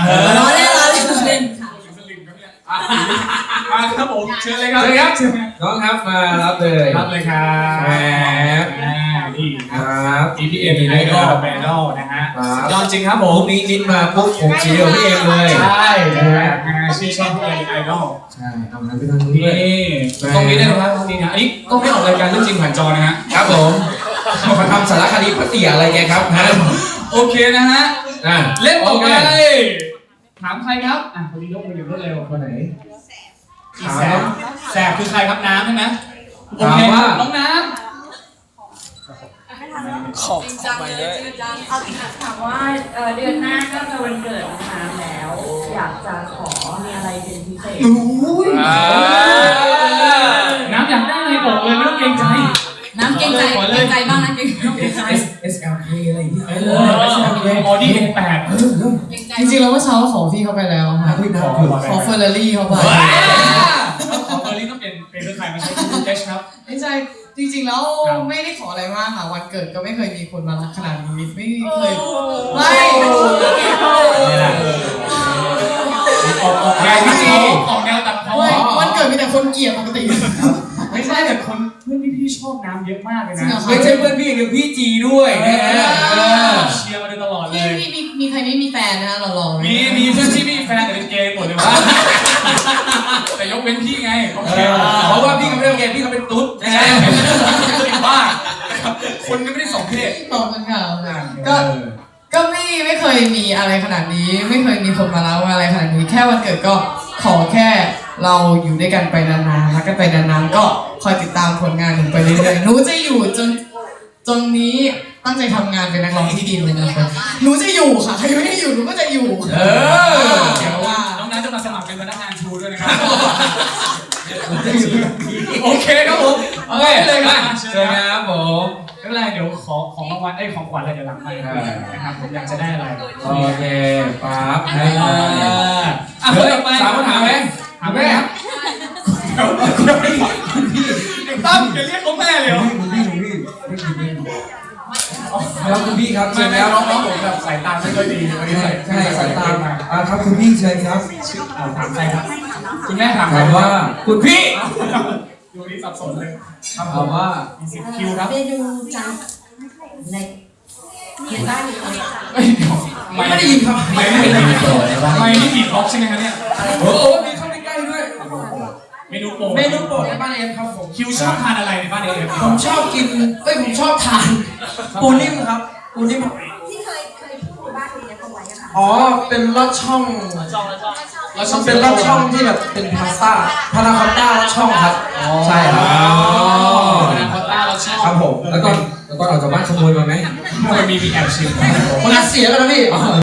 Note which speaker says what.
Speaker 1: ล้อเล่นค่ะ
Speaker 2: มาครับผมเชิญเลยครับ
Speaker 3: น้องครับมารับเลย
Speaker 2: รับเลยครับ
Speaker 3: แหม
Speaker 2: นี่
Speaker 3: ครับ
Speaker 2: EPM ไอดอลแบนด์นะฮะยอดจริงครับผ
Speaker 3: พ
Speaker 2: ม
Speaker 3: รุ่งนี้นิดมาปุ๊บผมสีเดียวพี่เองเลย
Speaker 2: ใช่นะฮะชื่อช่องพี่ไอดอล
Speaker 3: ใช่เอางั้นไปทางนู้น
Speaker 2: นี่
Speaker 3: ด้วย
Speaker 2: ตรงนี้ได้ไหมครับตรงนี้นะอันนี้ก็ไม่ออกรายการเรื่องจริงผ่านจอนะฮะ
Speaker 3: ครับผมมาทำสารคดีพัทยาอะไรแกครับฮะ
Speaker 2: โอเคนะฮะ เล่นต่อไป
Speaker 3: โอเค
Speaker 2: ถามใครครับคนนี้ยกมืออย่างรวดเร็ว
Speaker 3: คนไหน
Speaker 2: แสบคือใครครับน้ำใช่ไหมโอ
Speaker 3: ถาม
Speaker 2: เค
Speaker 3: ว่า
Speaker 2: น้องน้
Speaker 1: ของไปเลย
Speaker 4: ถามว่าเดือนหน้าก็จะวันเกิดน้องน้ำแล้ว อยากจะขอมีอะไรเป็นพิเศษ
Speaker 2: ำน้ำอยากได้อะไรบอกเลยไม่ต้องเกรงใจ
Speaker 1: น้ำเกรงใจบ้างนะเกรงใจ
Speaker 3: SLK อะไรอย่างเงี้ย
Speaker 2: ออดี้A8
Speaker 1: จริงๆเราก็เช้าขอพี่เขาไปแล้วค่ะขอเฟอร์รารี่เขาไป
Speaker 2: ขอเบอร์ลี่ต้องเป็นเพื่อใครมาใช้ดูเอชครับ
Speaker 1: ไม่ใช่จริงๆแล้วไม่ได้ขออะไรมากค่ะวันเกิดก็ไม่เคยมีคนมารักขนาดนี้ไม่เคยไม่
Speaker 2: ออกแนวตัดออกแนวตัดเพราะ
Speaker 1: วันเกิดมีแต่คนเกลียดปกติ
Speaker 2: ไม่ใช่แต่คนเพื่อนพี่ชอบน้ำเยอะมากเลยนะ
Speaker 3: ไม่ใช่เพื่อนพี่เดี๋ยวพี่จีด้วยนะฮะ
Speaker 2: เชียร์มาโดยตลอดเล
Speaker 1: พี่
Speaker 2: ย
Speaker 1: มีใครไม่มีแฟนนะเราลอง
Speaker 2: มีเพื่อนที่มีแฟนแต่เป็นเกย์หมดเลยวะแต่ยกเว้นพี่ไงโอเค
Speaker 3: เพราะว่าพี่เขาไม่ต้องเรียนพี่เขาเป็นตุ๊ดนะ
Speaker 2: ใช่
Speaker 3: ฮะ
Speaker 2: เป็นบ้าคนก็ไม่ได้สองเพศ
Speaker 1: ตอบกันค่ะก็ไม่เคยมีอะไรขนาดนี้ ไม่เคยมีคนมาเล่าอะไรขนาดนี้แค่วันเกิดก็ขอแค่เราอยู่ด้วยกันไปนานๆรักกันไปนานๆก็คอยติดตามผลงานหนูไปเรื่อยๆหนูจะอยู่จนนี้ตั้งใจทำงานเป็นนักร้องที่ดีเลยนะคะหนูจะอยู่ค่ะใครไม่ให้อยู่หนูก็จะอยู่
Speaker 2: เดี๋ยวว่าน้องน้ำจะมาสมัครเป็นพนักงานชูด้วยนะครับโอเคครับผม
Speaker 3: โอเคเลยครับเชิญครับผม
Speaker 2: ไม่เป็นไรเดี๋ยวขอของรางวัลของขวัญอะไรเดี๋ยวหลังไปนะครับผมอยากจะได้อะไร
Speaker 3: โอเคปั๊บ
Speaker 2: เฮ้ย
Speaker 3: ต่อไปถามคำถามไหม
Speaker 2: ถามแม่ครับตั้มอย่าเรียกเขาแม่เลยเหรอ
Speaker 3: คุณพี่ครับคุณพี่ครับเชิญแล้ว
Speaker 2: น้องผมแบบสายตาไม่ค่อยดีวันนี้ใส่สายตามา
Speaker 3: ครับคุณพี่เชิญครับ
Speaker 2: ถามใครครับคุณแม่ถาม
Speaker 3: ถามว่าคุณพี่
Speaker 2: ดูนี้สับสนเลย
Speaker 3: ถามว่า
Speaker 2: มี10 คิวครับ
Speaker 4: เมนูจานในเห็นบ้านอยู่ตรงนี้ค่ะ
Speaker 2: ไม่ได้ยินครับไม่ได้ยินไม่ได้ยินล็อกใช่ไหมครับเนี่ย
Speaker 3: โอ้โหมีเข้าใกล้ๆด้วย
Speaker 2: เมนูโปรด
Speaker 3: เมนูโปรดในบ้านเอ็มครับผม
Speaker 2: คิวชอบทานอะไรในบ้านเอฟ
Speaker 3: ผมชอบกินผมชอบทานปูนิ่มครับปูนิ่ม
Speaker 4: ที่เคยพูดบ้านนี้เขาไว้อะค่ะ
Speaker 3: อ๋อเป็นลอดช่อง
Speaker 2: เราชอบ
Speaker 3: เป็นลอดช่องที่แบบเป็นพาสต้าพานาคอตต้าลอดช่องครับใช่ครับ
Speaker 2: พานาคอตต้าเราชอบ
Speaker 3: ครับผมแล้วก็ออกจากบ้านขโมยมาไหม
Speaker 2: มีแอบชิม
Speaker 3: มันเสียกันนะพี่